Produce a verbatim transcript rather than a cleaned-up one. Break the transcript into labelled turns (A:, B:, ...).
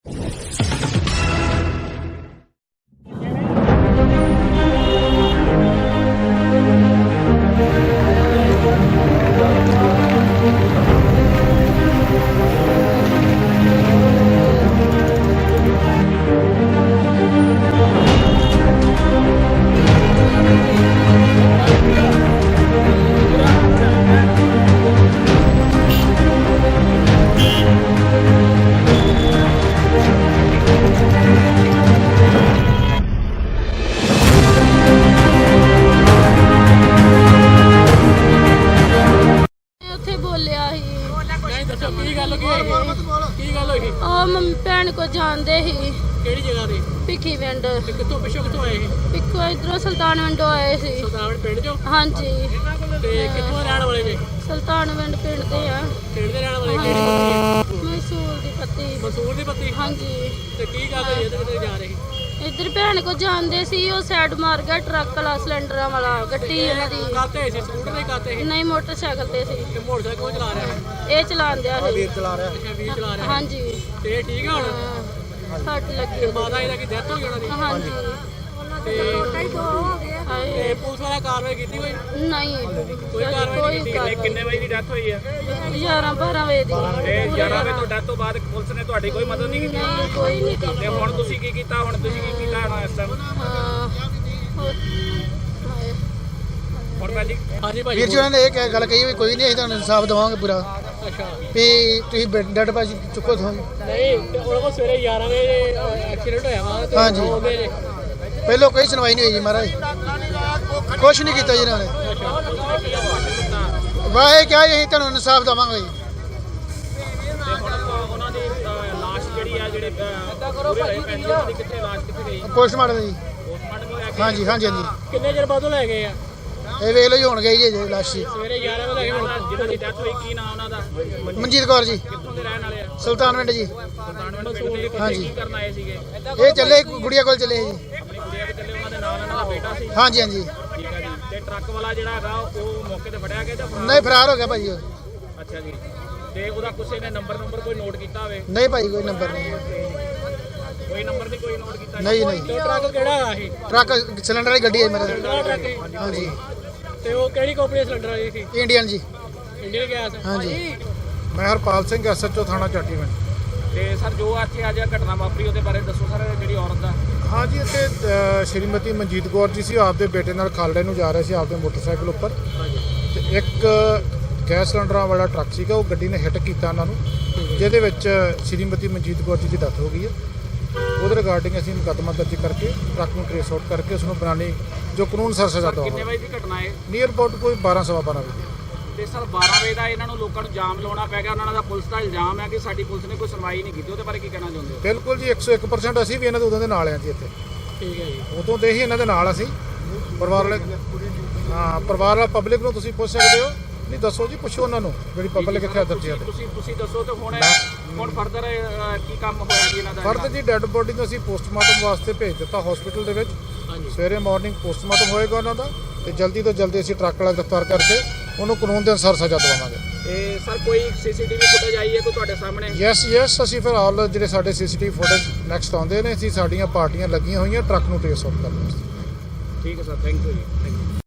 A: भैन को जानते ही
B: ਕਿਹੜੀ ਜਗ੍ਹਾ ਤੇ
A: ਭਿੱਖੀ ਪਿੰਡ
B: ਤੇ ਕਿੱਥੋਂ ਪਿੱਛੋਂ ਕਿੱਥੋਂ ਆਏ ਇਹ
A: ਪਿੱਖੋ ਇਧਰੋਂ ਸੁਲਤਾਨ ਪਿੰਡੋਂ ਆਏ ਸੀ
B: ਸੁਲਤਾਨ ਪਿੰਡ ਚੋਂ
A: ਹਾਂਜੀ
B: ਤੇ ਕਿੱਥੋਂ ਰਹਿਣ ਵਾਲੇ ਨੇ
A: ਸੁਲਤਾਨ ਪਿੰਡ ਪਿੰਡ ਦੇ ਆ
B: ਪਿੰਡ ਦੇ ਰਹਿਣ ਵਾਲੇ ਕਿਹੜੀ ਪੱਤੀ ਹੈ
A: ਮਸੂਰ ਦੀ ਪੱਤੀ
B: ਮਸੂਰ ਦੀ ਪੱਤੀ
A: ਹਾਂਜੀ
B: ਤੇ ਕੀ ਗੱਲ ਹੋਈ ਇਹਦੇ ਕਿੱਥੇ ਜਾ ਰਹੇ
A: ਇੱਧਰ ਭੈਣ ਕੋ ਜਾਂਦੇ ਸੀ ਉਹ ਸਾਈਡ ਮਾਰ ਗਿਆ ਟਰੱਕ ਵਾਲਾ ਸਿਲੰਡਰਾਂ ਵਾਲਾ ਗੱਡੀ ਇਹਨਾਂ ਦੀ
B: ਕਾਤੇ ਸੀ ਸਕੂਟਰ ਦੇ ਕਾਤੇ ਸੀ
A: ਨਹੀਂ ਮੋਟਰਸਾਈਕਲ ਤੇ ਸੀ
B: ਤੇ ਮੋਟਰਸਾਈਕਲ ਕੌਣ ਚਲਾ ਰਿਹਾ ਹੈ
A: ਇਹ ਚਲਾਉਂਦਿਆ ਸੀ
B: ਵੀਰ ਚਲਾ ਰਿਹਾ ਅੱਛਾ ਵੀਰ ਚਲਾ ਰਿਹਾ
A: ਹਾਂਜੀ
B: ਤੇ ਇਹ ਠੀਕ ਹੈ ਹੁਣ
A: ਹਾਂ, ਸੱਟ ਲੱਗੀ ਉਹਦੇ।
B: ਮਾਤਾ ਇਹਦਾ ਕੀ ਡੈਥ ਹੋ ਗਈ ਉਹਨਾਂ ਦੀ
A: ਹਾਂਜੀ
B: ਤੇ
A: ਹਾਏ,
B: ਤੇ ਪੁਲਿਸ ਵਾਲਾ ਕਾਰਵਾਈ ਕੀਤੀ ਕੋਈ
A: ਨਹੀਂ
B: ਕੋਈ ਕਾਰਵਾਈ ਨਹੀਂ ਕੀਤੀ
A: ਕਾਰਵਾਈ।
B: ਕਿੰਨੇ ਵਜੇ ਦੀ ਡੈਥ ਹੋਈ ਹੈ
A: ਗਿਆਰਾਂ ਬਾਰਾਂ ਵਜੇ ਦੀ
B: ਤੇ ਗਿਆਰਾਂ ਵਜੇ ਤੋਂ ਡੈਥ ਤੋਂ ਬਾਅਦ ਪੁਲਿਸ ਨੇ ਤੁਹਾਡੀ ਕੋਈ ਮਦਦ ਨਹੀਂ ਕੀਤੀ
A: ਨਹੀਂ ਕੋਈ ਨਹੀਂ ਕੀਤੀ।
B: ਤੇ ਹੁਣ ਤੁਸੀਂ ਕੀ ਕੀਤਾ ਹੁਣ ਤੁਸੀਂ ਕੀ ਕੀਤਾ ਹੁਣ ਇਸ ਟਾਈਮ
A: ਹਾਂ ਹੋਰ- ਹਾਏ।
B: ਹੁਣ ਭਾਜੀ ਹਾਂਜੀ ਭਾਜੀ
C: ਵੀਰ ਜੀ ਉਹਨਾਂ ਨੇ ਇਹ ਕਹਿ- ਗੱਲ ਕਹੀ ਵੀ ਕੋਈ ਨਹੀਂ ਅਸੀਂ ਤੁਹਾਨੂੰ ਇਨਸਾਫ ਦੇਵਾਂਗੇ ਪੂਰਾ
B: ਅੱਛਾ
C: ਵੀ ਤੁਸੀਂ ਡੈਡ ਭਾਜੀ ਚੁੱਕੋ ਤੋਂ
B: ਨਹੀਂ ਤੇ ਉਹਨਾਂ ਕੋਲ ਸਵੇਰੇ ਗਿਆਰਾਂ ਵਜੇ ਐਕਸੀਡੈਂਟ ਹੋਇਆ ਵਾ ਤੇ
C: ਹਾਂਜੀ।
B: ਹੋ ਗਏ ਨੇ
C: ਪਹਿਲੋਂ ਕੋਈ ਸੁਣਵਾਈ ਨਹੀਂ ਹੋਈ ਜੀ ਮਹਾਰਾਜ ਕੁਛ ਨਹੀਂ ਕੀਤਾ ਜੀ ਇਹਨਾਂ ਨੇ ਵਾਹ ਇਹ ਕਿਹਾ ਜੀ ਅਸੀਂ ਤੁਹਾਨੂੰ ਇਨਸਾਫ ਦੇਵਾਂਗੇ ਜੀ
B: ਤੇ ਹੁਣ ਉਹਨਾਂ ਦੀ ਲਾਸ਼ ਜਿਹੜੀ ਆ ਜਿਹੜੇ ਪੂਰੇ ਹੋਏ ਪੈਂਦੇ ਉਹਨਾਂ ਦੀ ਕਿੱਥੇ ਲਾਸ਼ ਕਿੱਥੇ ਗਈ
C: ਪੋਸਟਮਾਰਟਮ ਜੀ
B: ਪੋਸਟਮਾਰਟਮ ਹੋਇਆ ਕਿ
C: ਹਾਂਜੀ ਹਾਂਜੀ ਹਾਂਜੀ
B: ਕਿੰਨੇ ਚਿਰ ਬਾਅਦੋਂ ਲੈ ਗਏ ਆ
C: ਇਹ ਵੇਖ ਲਓ ਜੀ ਹੁਣ ਗਈ ਜੀ ਅਜੇ ਲਾਸ਼ ਜੀ
B: ਸਵੇਰੇ ਗਿਆਰਾਂ ਵਜੇ ਲੈ ਗਏ ਜਿਹਨਾਂ ਦੀ ਡੈਥ ਹੋਈ ਕੀ ਨਾਮ ਉਹਨਾਂ ਦਾ
C: ਮਨਜੀਤ ਕੌਰ ਜੀ
B: ਕਿੱਥੋਂ ਦੇ ਰਹਿਣ ਵਾਲੇ ਆ
C: ਸੁਲਤਾਨ ਪਿੰਡ ਜੀ
B: ਸੁਲਤਾਨ ਪਿੰਡ ਦੇ
C: ਹਾਂਜੀ।
B: ਕੀ ਕਰਨ ਆਏ ਸੀਗੇ
C: ਇਹ ਚੱਲੇ ਗੁੜੀਆ ਕੋਲ ਚੱਲੇ ਜੀ
B: ਆਪਣੀ ਕੁੜੀਆਂ ਦੇ ਚੱਲੇ ਉਹਨਾਂ ਦੇ ਨਾਲ ਉਹਨਾਂ ਦਾ ਬੇਟਾ ਸੀ
C: ਹਾਂਜੀ ਹਾਂਜੀ
B: ਠੀਕ ਹੈ ਜੀ ਤੇ ਟਰੱਕ ਵਾਲਾ ਜਿਹੜਾ ਹੈਗਾ ਉਹ ਮੌਕੇ ਤੇ ਫੜਿਆ ਗਿਆ ਜਾਂ ਫਰਾਰ?
C: ਨਹੀਂ ਫਰਾਰ ਹੋ ਗਿਆ ਭਾਜੀ ਉਹ
B: ਅੱਛਾ ਜੀ ਤੇ ਉਹਦਾ ਕਿਸੇ ਨੇ ਨੰਬਰ ਨੰਬਰ ਕੋਈ ਨੋਟ ਕੀਤਾ ਹੋਵੇ
C: ਨਹੀਂ ਭਾਜੀ ਕੋਈ ਨੰਬਰ ਨਹੀਂ
B: ਕੋਈ ਨੰਬਰ ਨਹੀਂ ਕੋਈ ਨੋਟ ਕੀਤਾ
C: ਨਹੀਂ ਨਹੀਂ
B: ਤੇ ਟਰੱਕ ਕਿਹੜਾ ਆ ਇਹ
C: ਟਰੱਕ ਸਿਲੰਡਰ ਵਾਲੀ ਗੱਡੀ ਹੈ ਮੇਰਾ
B: ਕਿਹੜਾ ਟਰੱਕ ਹੈ?
C: ਹਾਂਜੀ
B: ਤੇ ਉਹ ਕਿਹੜੀ ਕੰਪਨੀ ਦਾ ਸਿਲੰਡਰ ਆਈ ਸੀ
C: ਇੰਡੀਅਨ ਜੀ
B: ਇੰਡੀਅਨ ਗੈਸ
C: ਹਾਂਜੀ।
D: ਮੈਂ ਹਰਪਾਲ ਸਿੰਘ ਐਸਐਚਓ ਥਾਣਾ ਚਾਟੀਵਿੰਡ।
B: ਤੇ ਸਰ ਜੋ ਅੱਜ ਅੱਜ ਘਟਨਾ ਵਾਪਰੀ ਉਹਦੇ ਬਾਰੇ ਦੱਸੋ ਸਰ ਜਿਹੜੀ ਔਰਤ ਦਾ
D: ਹਾਂ ਜੀ ਇੱਥੇ ਅ, ਸ਼੍ਰੀਮਤੀ ਮਨਜੀਤ ਕੌਰ ਜੀ ਸੀ ਆਪਦੇ ਬੇਟੇ ਨਾਲ ਖਾਲੜੇ ਨੂੰ ਜਾ ਰਹੇ ਸੀ ਆਪਦੇ ਮੋਟਰਸਾਈਕਲ ਉੱਪਰ ਤੇ ਇੱਕ ਗੈਸ ਸਿਲੰਡਰਾਂ ਵਾਲਾ ਟਰੱਕ ਸੀਗਾ ਉਹ ਗੱਡੀ ਨੇ ਹਿੱਟ ਕੀਤਾ ਉਹਨਾਂ ਨੂੰ ਜਿਹਦੇ ਵਿੱਚ ਸ਼੍ਰੀਮਤੀ ਮਨਜੀਤ ਕੌਰ ਜੀ ਦੀ ਡੈਥ ਹੋ ਗਈ ਹੈ। ਉਹਦੇ ਰਿਗਾਰਡਿੰਗ ਅਸੀਂ ਮੁਕੱਦਮਾ ਦਰਜ ਕਰਕੇ ਟਰੱਕ ਨੂੰ ਟ੍ਰੇਸ ਆਊਟ ਕਰਕੇ ਉਸ ਨੂੰ ਬਣਾਉਣੀ ਜੋ ਕਾਨੂੰਨ ਸਰ ਸਜ਼ਾ
B: ਕਿੰਨੇ
D: ਦਵਾਂਗੇ।
B: ਵਜੇ ਦੀ ਘਟਨਾ ਹੈ
D: ਨੀਅਰ ਅਬਾਊਟ ਕੋਈ ਬਾਰਾਂ ਸਵਾ ਬਾਰਾਂ ਵਜੇ।
B: ਤੇ ਸਰ ਬਾਰਾਂ ਵਜੇ ਦਾ ਇਹਨਾਂ ਨੂੰ ਲੋਕਾਂ ਨੂੰ ਜਾਮ ਲਾਉਣਾ ਪੈ ਗਿਆ ਉਹਨਾਂ ਦਾ ਪੁਲਿਸ ਦਾ ਇਲਜ਼ਾਮ ਹੈ ਕਿ ਸਾਡੀ ਪੁਲਿਸ ਨੇ ਕੋਈ ਸੁਣਵਾਈ ਨਹੀਂ ਕੀਤੀ ਉਹਦੇ ਬਾਰੇ ਕੀ ਕਹਿਣਾ ਚਾਹੁੰਦੇ ਹੋ
D: ਬਿਲਕੁਲ ਜੀ ਇੱਕ ਸੌ ਇੱਕ ਪਰਸੈਂਟ ਅਸੀਂ ਵੀ ਇਹਨਾਂ ਦੇ ਉਦੋਂ ਦੇ ਨਾਲ ਹਾਂ ਜੀ ਇੱਥੇ
B: ਠੀਕ ਹੈ ਜੀ
D: ਉਦੋਂ ਦੇ ਹੀ ਇਹਨਾਂ ਦੇ ਨਾਲ ਅਸੀਂ ਪਰਿਵਾਰ ਵਾਲੇ ਹਾਂ ਪਰਿਵਾਰ ਵਾਲਾ ਪਬਲਿਕ ਨੂੰ ਤੁਸੀਂ ਪੁੱਛ ਸਕਦੇ ਹੋ ਨਹੀਂ ਦੱਸੋ ਜੀ ਪੁੱਛੋ ਉਹਨਾਂ ਨੂੰ ਜਿਹੜੀ ਪਬਲਿਕ ਇੱਥੇ ਦਰਜੀ ਹੈ
B: ਤੁਸੀਂ ਤੁਸੀਂ ਦੱਸੋ ਤੇ ਹੁਣ ਹੁਣ ਫਰਦਰ ਕੀ ਕੰਮ ਹੋਇਆ ਜੀ ਇਹਨਾਂ ਦਾ
D: ਫਰਦ ਜੀ ਡੈੱਡ ਬੋਡੀ ਨੂੰ ਅਸੀਂ ਪੋਸਟਮਾਰਟਮ ਵਾਸਤੇ ਭੇਜ ਦਿੱਤਾ ਹਸਪੀਟਲ ਦੇ ਵਿੱਚ
B: ਹਾਂਜੀ
D: ਸਵੇਰੇ ਮਾਰਨਿੰਗ ਪੋਸਟਮਾਰਟਮ ਹੋਏਗਾ ਉਹਨਾਂ ਦਾ ਤੇ ਜਲਦੀ ਤੋਂ ਜਲਦੀ ਅਸੀਂ ਟਰੱਕ ਵਾਲਾ ਗ੍ਰਿਫਤਾਰ ਕਰਕੇ ਉਹਨੂੰ ਕਾਨੂੰਨ ਦੇ ਅਨੁਸਾਰ ਸਜ਼ਾ ਦਿਵਾਵਾਂਗੇ।
B: ਤੇ ਸਰ ਕੋਈ ਸੀਸੀਟੀਵੀ ਫੁਟੇਜ ਆਈ ਹੈ ਕੋਈ ਤੁਹਾਡੇ ਸਾਹਮਣੇ
D: ਯੈਸ ਯੈਸ ਅਸੀਂ ਫਿਰ ਆਲ ਜਿਹੜੇ ਸਾਡੇ ਸੀਸੀਟੀਵੀ ਫੁਟੇਜ ਨੈਕਸਟ ਆਉਂਦੇ ਨੇ ਅਸੀਂ ਸਾਡੀਆਂ ਪਾਰਟੀਆਂ ਲੱਗੀਆਂ ਹੋਈਆਂ ਟਰੱਕ ਨੂੰ ਟ੍ਰੇਸ ਆਊਟ ਕਰਨ ਵਾਸਤੇ।
B: ਠੀਕ ਹੈ ਸਰ ਥੈਂਕ ਯੂ ਜੀ ਥੈਂਕ ਯੂ